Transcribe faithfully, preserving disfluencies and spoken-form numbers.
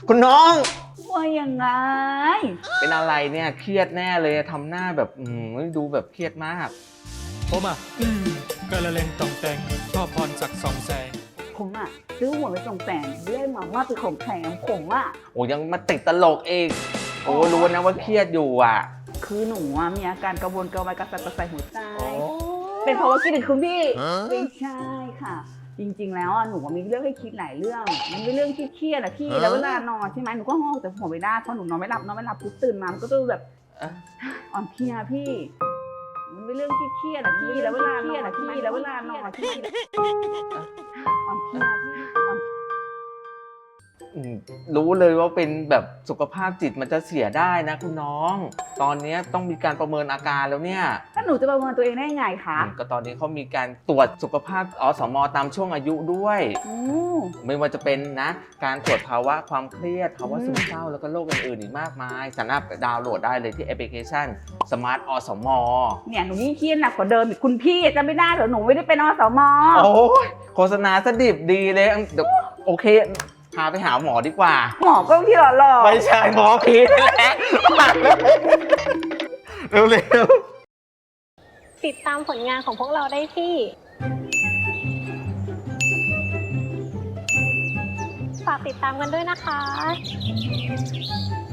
คุณน้องว่ายังไงเป็นอะไรเนี่ยเครียดแน่เลยทำหน้าแบบอืมดูแบบเครียดมากผมอ่ะกระเลงต่องแต่งชอบพรศักดิ์สองแสงผมอ่ะซื้อหัวไปส่งแต่งเรื่อยมาว่าเป็นของแถมผมอ่ะโอ้ยังมาติดตลกเองโอ้รู้นะว่าเครียดอยู่อ่ะคือหนูอ่ะมีอาการกระวนกระวายกระสับกระส่ายหัวใจเป็นเพราะว่าคิดถึงคุณพี่ไม่ใช่ค่ะจริงๆแล้วอ่ะหนูมีเรื่องให้คิดหลายเรื่องมันเป็นเรื่องที่เครียดอะพี่แล้วเวลานอนใช่ไหมหนูก็ห้องแต่หัวไม่ได้เพราะหนูนอนไม่หลับนอนไม่หลับปุ๊บตื่นมามันก็จะแบบอ่อนเพลียพี่มันเป็นเรื่องที่เครียดอะพี่แล้วเวลานอนพี่แล้วเวลานอนพี่อ่อนเพลียพี่อ่อนรู้เลยว่าเป็นแบบสุขภาพจิตมันจะเสียได้นะคุณน้องตอนนี้ต้องมีการประเมินอาการแล้วเนี่ยถ้าหนูจะประเมินตัวเองได้ไงคะก็ตอนนี้เขามีการตรวจสุขภาพอสมตามช่วงอายุด้วยไม่ว่าจะเป็นนะการตรวจภาวะความเครียดภาวะซึมเศร้าแล้วก็โรคอื่นๆอีกมากมายสามารถดาวน์โหลดได้เลยที่แอปพลิเคชัน Smart อสมเนี่ยหนูยิ่งเครียดหนักกว่าเดิมอีกคุณพี่จะไม่ได้เหรอหนูไม่ได้เป็นอสมโอ้ยโฆษณาสดิบดีเลยเดี๋ยวโอเคพาไปหาหมอดีกว่าหมอก็ที่หล่อหล่อไม่ใช่หมอพีทแหละเร็วๆติดตามผลงานของพวกเราได้ที่ฝากติดตามกันด้วยนะคะ